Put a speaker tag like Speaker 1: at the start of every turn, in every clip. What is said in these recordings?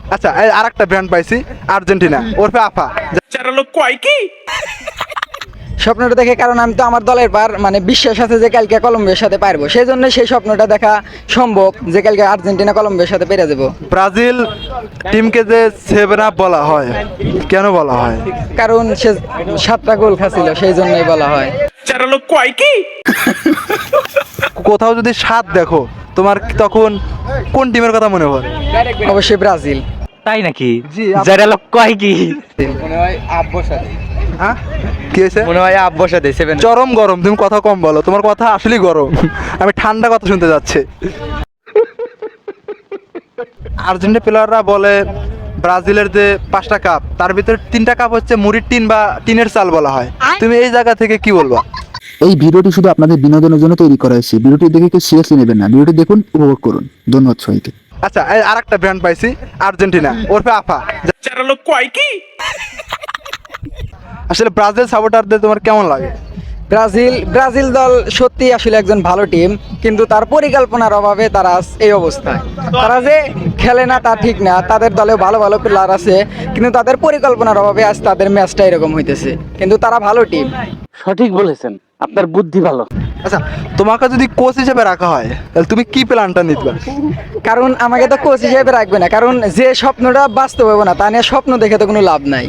Speaker 1: আচ্ছা আর একটা ব্র্যান্ড পাইছি, আর্জেন্টিনা ওরফে আফা।
Speaker 2: স্বপ্নটা দেখে, কারণ আমি তো আমার দলের পার মানে বিশ্বাস আছে যে কালকে কলম্বিয়ার সাথে পারবো, সেই জন্য সেই স্বপ্নটা দেখা সম্ভব যে কালকে আর্জেন্টিনা কলম্বিয়ার সাথে পেরে যাবো।
Speaker 1: ব্রাজিল টিমকে যে সেভেন আপ বলা হয়, কেন বলা হয়?
Speaker 2: কারণ সে 7টা গোল খাচ্ছিল, সেই জন্যই বলা হয়।
Speaker 1: কোথাও যদি স্বাদ দেখো তোমার তখন কোন টিমের কথা মনে হয়?
Speaker 2: অবশ্যই ব্রাজিল।
Speaker 3: তাই নাকি?
Speaker 1: জি,
Speaker 3: যারা লোক কয় কি
Speaker 2: মনে হয় আব্বর সাথে,
Speaker 1: হ্যাঁ কি হয়েছে?
Speaker 2: মনে হয় আব্বর সাথে 7।
Speaker 1: চরম গরম, তুমি কথা কম বলো, তোমার কথা আসলেই গরম। আমি ঠান্ডা কথা শুনতে যাচ্ছি। আর্জেন্টিনা প্লেয়াররা বলে ব্রাজিলের যে 5টা কাপ তার ভিতরে 3টা কাপ হচ্ছে মুড়ির টিন বা টিনের চাল বলা হয়। তুমি এই জায়গা থেকে কি বলবা?
Speaker 4: এই ভিডিওটি শুধু আপনাদের বিনোদনের জন্য তৈরি করা হয়েছে। ভিডিওটি দেখে কেউ সিরিয়াসলি নেবেন না। ভিডিওটি দেখুন, উপভোগ করুন। ধন্যবাদ সবাইকে।
Speaker 1: আচ্ছা আর একটা ব্র্যান্ড পাইছি, আর্জেন্টিনা ওরফে আফা। আসলে ব্রাজিল সাপোর্টারদের তোমার কেমন লাগে?
Speaker 2: ব্রাজিল দল সত্যি আসলে একজন ভালো টিম, কিন্তু তার পরিকল্পনার অভাবে তারা আজ এই অবস্থায়। তারা যে খেলে না তা ঠিক না, তাদের দলে ভালো ভালো প্লেয়ার আছে, কিন্তু তাদের পরিকল্পনার অভাবে আজ তাদের ম্যাচটা এরকম হইতেছে, কিন্তু তারা ভালো টিম।
Speaker 3: সঠিক বলেছেন, আপনার বুদ্ধি ভালো।
Speaker 1: আচ্ছা তোমাকে যদি কোচ হিসেবে রাখা হয় তাহলে তুমি কি প্ল্যানটা নিতে?
Speaker 2: কারণ আমাকে তো কোচ হিসেবে রাখবে না, কারণ যে স্বপ্নটা বাস্তব হবে না তা নিয়ে স্বপ্ন দেখে তো কোনো লাভ নাই।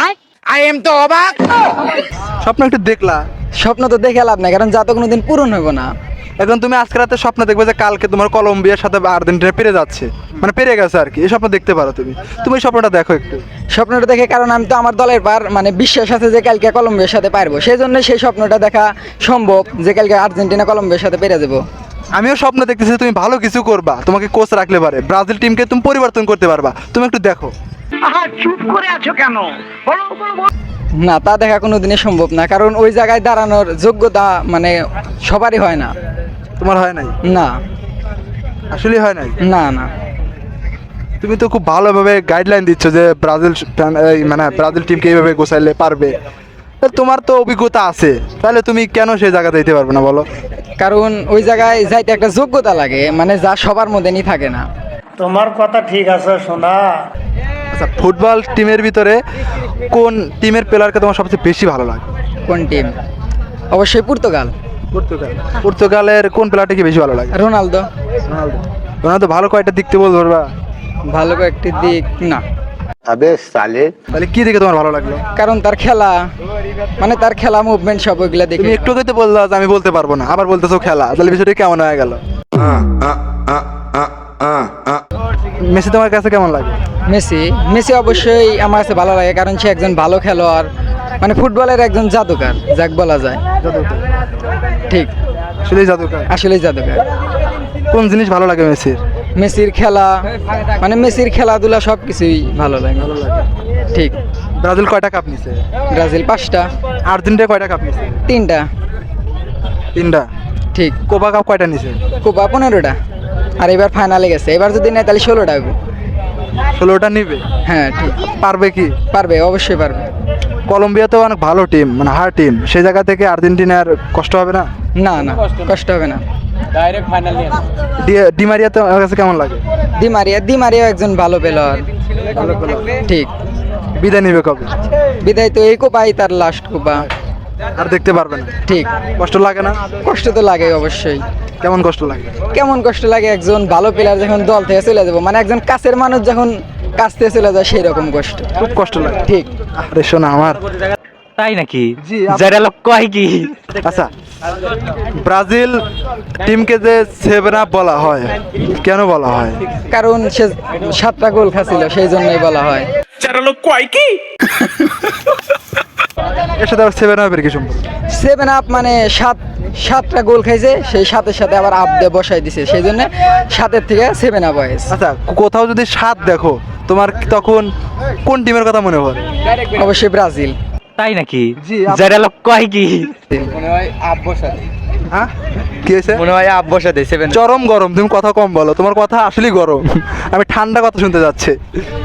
Speaker 1: স্বপ্ন একটু দেখলা,
Speaker 2: স্বপ্ন তো দেখে লাভ নাই, কারণ যা তো কোনোদিন পূরণ হইব না।
Speaker 1: এখন তুমি আজকে রাতে স্বপ্ন দেখবে যে কালকে তোমার কলম্বিয়ার সাথে আর্জেন্টিনা পেরে যাচ্ছে, মানে পেরে গেছে আর কি, এই স্বপ্ন দেখতে পারো তুমি। তুমি এই স্বপ্নটা দেখো একটু।
Speaker 2: স্বপ্নটা দেখে, কারণ আমি তো আমার দলের পার মানে বিশ্বাস আছে যে কালকে কলম্বিয়ার সাথে পারবো, সেই জন্য সেই স্বপ্নটা দেখা সম্ভব যে কালকে আর্জেন্টিনা কলম্বিয়ার সাথে পেরে যাবো।
Speaker 1: আমিও স্বপ্ন দেখতেছি তুমি ভালো কিছু করবা, তোমাকে কোচ রাখলে পারে ব্রাজিল টিমকে তুমি পরিবর্তন করতে পারবা, তুমি একটু দেখো।
Speaker 2: না, তা দেখা কোনোদিনই সম্ভব না, কারণ ওই জায়গায় দাঁড়ানোর যোগ্যতা মানে সবারই হয় না।
Speaker 1: তোমার হয় নাই?
Speaker 2: না
Speaker 1: আসলে হয় নাই।
Speaker 2: না না,
Speaker 1: তুমি তো খুব ভালোভাবে গাইডলাইন দিচ্ছ যে মানে ব্রাজিল টিমকে এইভাবে গোছাইলে পারবে। তা তোমার তো অভিজ্ঞতা আছে, তাহলে তুমি কেন সেই জায়গাতে যেতে পারবে না বলো?
Speaker 2: কারণ ওই জায়গায় যাইতে একটা যোগ্যতা লাগে, মানে যা সবার মধ্যে নি থাকে না।
Speaker 5: তোমার কথা ঠিক আছে সোনা।
Speaker 1: আচ্ছা ফুটবল টিমের ভিতরে কোন টিমের প্লেয়ারকে তোমার সবচেয়ে বেশি ভালো লাগে?
Speaker 2: কোন টিম? অবশ্যই পর্তুগাল।
Speaker 1: পর্তুগালের কোন প্লেয়ারটাকে বেশি ভালো লাগে?
Speaker 2: রোনালদো।
Speaker 1: রোনালদো ভালো কয়টা দিকতে বলতে পারবা?
Speaker 2: ভালো কয়েকটি দিক না।
Speaker 1: তাহলে কি দেখে তোমার ভালো লাগলো?
Speaker 2: কারণ তার খেলা, মানে তার খেলা মুভমেন্ট সব ওইগুলা দেখে।
Speaker 1: তুমি একটু আগে বললা যে আমি বলতে পারবো না, আবার বলতেছো খেলা, তাহলে বিষয়টা কেমন হয়ে গেল? মেসি তোমার কাছে কেমন লাগে?
Speaker 2: মেসি অবশ্যই আমার কাছে ভালো লাগে, কারণ সে একজন ভালো খেলোয়াড়, মানে ফুটবলের একজন জাদুকার যাক বলা যায়। ঠিক,
Speaker 1: আসলেই জাদুকর।
Speaker 2: আসলেই জাদুকার।
Speaker 1: কোন জিনিস ভালো লাগে মেসির?
Speaker 2: মেসির খেলা, মানে মেসির খেলাধুলা সব কিছুই ভালো লাগে। ঠিক।
Speaker 1: ব্রাজিল কয়টা কাপ নিছে?
Speaker 2: ব্রাজিল 5টা।
Speaker 1: আর্জেন্টিনা কয়টা কাপ নিছে?
Speaker 2: 3টা।
Speaker 1: 3টা।
Speaker 2: ঠিক।
Speaker 1: কোপা কাপ কয়টা নিছে?
Speaker 2: কোপা 15টা। আর এবার ফাইনালে গেছে, এবার যদি নেয় তাহলে 16টা হবে।
Speaker 1: 16টা নিবে?
Speaker 2: হ্যাঁ ঠিক।
Speaker 1: পারবে কি?
Speaker 2: পারবে, অবশ্যই পারবে।
Speaker 1: কলম্বিয়া তো অনেক ভালো টিম, মানে হার টিম, সেই জায়গা থেকে আর্জেন্টিনার কষ্ট হবে না?
Speaker 2: না না, কষ্ট হবে না। ডাইরেক্ট ফাইনাল নিয়ে
Speaker 1: ডিমারিয়া তো আমার কাছে কেমন লাগে?
Speaker 2: দি মারিয়া একজন ভালো প্লেয়ার। ঠিক।
Speaker 1: বিদায় নিবে কবে?
Speaker 2: বিদায় তো এই কোপাই তার লাস্ট কোপা।
Speaker 1: আর দেখতে পারবে না?
Speaker 2: ঠিক।
Speaker 1: কষ্ট লাগে না?
Speaker 2: কষ্ট তো লাগে অবশ্যই।
Speaker 1: কেমন কষ্ট লাগে?
Speaker 2: কেমন কষ্ট লাগে, একজন ভালো প্লেয়ার যখন দল থেকে চলে যাবো, মানে একজন কাছের মানুষ যখন কাছ থেকে চলে যায় সেই রকম কষ্ট।
Speaker 1: খুব কষ্ট লাগে।
Speaker 2: ঠিক।
Speaker 1: আরে শোনা আমার।
Speaker 3: তাই নাকি?
Speaker 1: জি,
Speaker 3: যারা লোক কয় কি
Speaker 1: আচ্ছা ব্রাজিল টিমকে যে সেভেন আপ বলা হয়, কেন বলা হয়?
Speaker 2: কারণ সে 7টা গোল খাচ্ছিল, সেই জন্যই বলা হয়।
Speaker 1: এর সাথে আবার সেভেন আপের কি সম্পর্ক?
Speaker 2: 7 আপ মানে 7টা গোল খাইছে, সেই সাথে সাথে আবার আপ দিয়ে বসাই দিছে, সেই জন্য 7-এর থেকে 7 আপ হয়েছে।
Speaker 1: আচ্ছা কোথাও যদি স্বাদ দেখো তোমার তখন কোন টিমের কথা মনে হয়?
Speaker 2: অবশ্যই ব্রাজিল।
Speaker 3: তাই নাকি?
Speaker 1: জি,
Speaker 3: যারা লোক কয় কি
Speaker 2: মনে হয় আব্বর সাথে,
Speaker 1: হ্যাঁ কি হয়েছে?
Speaker 2: মনে হয় আব্বর সাথে 7।
Speaker 1: চরম গরম, তুমি কথা কম বলো, তোমার কথা আসলেই গরম। আমি ঠান্ডা কথা শুনতে যাচ্ছি।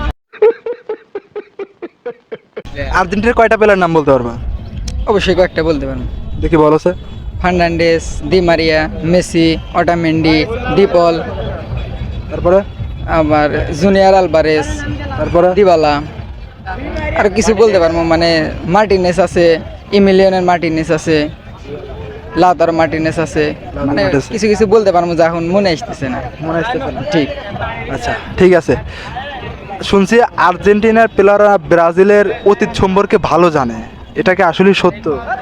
Speaker 1: আর্জেন্টিনার কয়টা প্লেয়ার নাম বলতে পারবা?
Speaker 2: অবশ্যই কয়েকটা বলতে পারেন।
Speaker 1: দেখি বলো sir.
Speaker 2: Fernandes, Di Maria, Messi, Otamendi, De Paul,
Speaker 1: তারপরে
Speaker 2: আবার জুনিয়র আলভারেজ,
Speaker 1: তারপরে
Speaker 2: দিবালা, আর কিছু বলতে পারবো মানে মার্টিনেস আছে, ইমিলিয়নের মার্টিনেস আছে, লাউতারো মার্টিনেস আছে, মানে
Speaker 1: মার্টিনেজ।
Speaker 2: কিছু কিছু বলতে পারবো যা এখন মনে আসতেছে না।
Speaker 1: মনে আসতেছে না।
Speaker 2: ঠিক।
Speaker 1: আচ্ছা ঠিক আছে, শুনছি আর্জেন্টিনার প্লেয়াররা ব্রাজিলের অতীত সম্পর্কে ভালো জানে, এটা কি আসলে সত্য?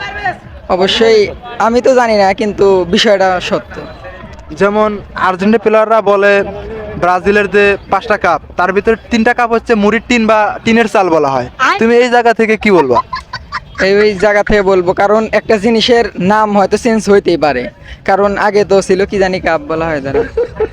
Speaker 2: অবশ্যই আমি তো জানি না, কিন্তু বিষয়টা সত্য।
Speaker 1: যেমন আর্জেন্টিনা প্লেয়াররা বলে ব্রাজিলের যে 5টা কাপ তার ভিতরে 3টা কাপ হচ্ছে মুড়ির টিন বা টিনের চাল বলা হয়, তুমি এই জায়গা থেকে কি বলবা?
Speaker 2: এই জায়গা থেকে বলবো, কারণ একটা জিনিসের নাম হয়তো চেঞ্জ হইতেই পারে, কারণ আগে তো ছিল কি জানি কাপ বলা হয় তারা,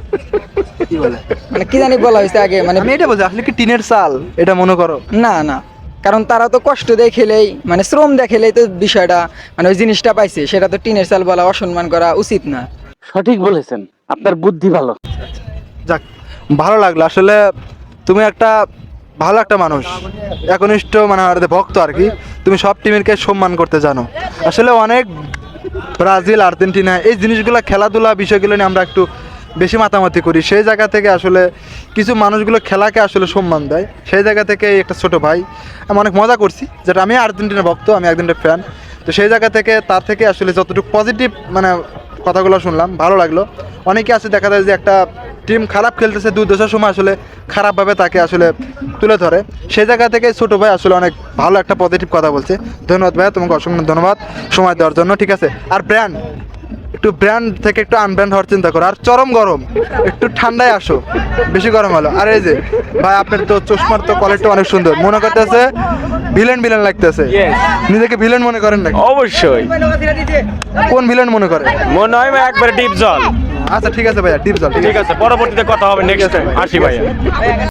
Speaker 1: কি বলে?
Speaker 2: মানে কি জানি বলা হয়েছে আগে, মানে
Speaker 1: আমি এটা বলছি আসলে কি টিনের চাল এটা মনে করো?
Speaker 2: না না, কারণ তারা তো কষ্ট দিয়ে খেলেই, মানে শ্রম দিয়ে খেলেই তো বিষয়টা, মানে ওই জিনিসটা পাইছে, সেটা তো টিনের চাল বলা অসম্মান করা উচিত না।
Speaker 3: সঠিক বলেছেন, আপনার বুদ্ধি ভালো।
Speaker 1: যাক, ভালো লাগলো আসলে, তুমি একটা ভালো একটা মানুষ, একনিষ্ঠ মানে আর ভক্ত আর কি, তুমি সব টিমেরকে সম্মান করতে জানো। আসলে অনেক ব্রাজিল আর্জেন্টিনা এই জিনিসগুলো খেলাধুলা বিষয়গুলো নিয়ে আমরা একটু বেশি মাতামাতি করি, সেই জায়গা থেকে আসলে কিছু মানুষগুলো খেলাকে আসলে সম্মান দেয়, সেই জায়গা থেকে এই একটা ছোট ভাই আমি অনেক মজা করছি, যেটা আমি আর্জেন্টিনা ভক্ত, আমি আর্জেন্টিনা ফ্যান, তো সেই জায়গা থেকে তার থেকে আসলে যতটুকু পজিটিভ মানে কথাগুলো শুনলাম ভালো লাগলো। অনেকে আছে দেখা যায় যে একটা টিম খারাপ খেলতেছে, দুর্দশার সময় আসলে খারাপভাবে তাকে আসলে তুলে ধরে, সেই জায়গা থেকে ছোটো ভাই আসলে অনেক ভালো একটা পজিটিভ কথা বলছে। ধন্যবাদ ভাইয়া, তোমাকে অসংখ্য ধন্যবাদ সময় দেওয়ার জন্য। ঠিক আছে, আর ব্র্যান্ড একটু ব্র্যান্ড থেকে একটু আনব্র্যান্ড হওয়ার চিন্তা করো, আর চরম গরম একটু ঠান্ডায় আসো, বেশি গরম হলো। আর এই যে ভাই আপনার তো চশমার তো কোয়ালিটি অনেক সুন্দর, মনে করতেছে ভিলেন ভিলেন লাগতেছে, নিজেকে ভিলেন মনে করেন নাকি?
Speaker 6: অবশ্যই
Speaker 1: কোন ভিলেন মনে করে?
Speaker 6: মনে হয় ভাই একবারে ডিপ জল।
Speaker 1: আচ্ছা ঠিক আছে ভাইয়া, টিপস
Speaker 6: ঠিক আছে, পরবর্তীতে কথা হবে নেক্সট টাইম। আসি ভাইয়া।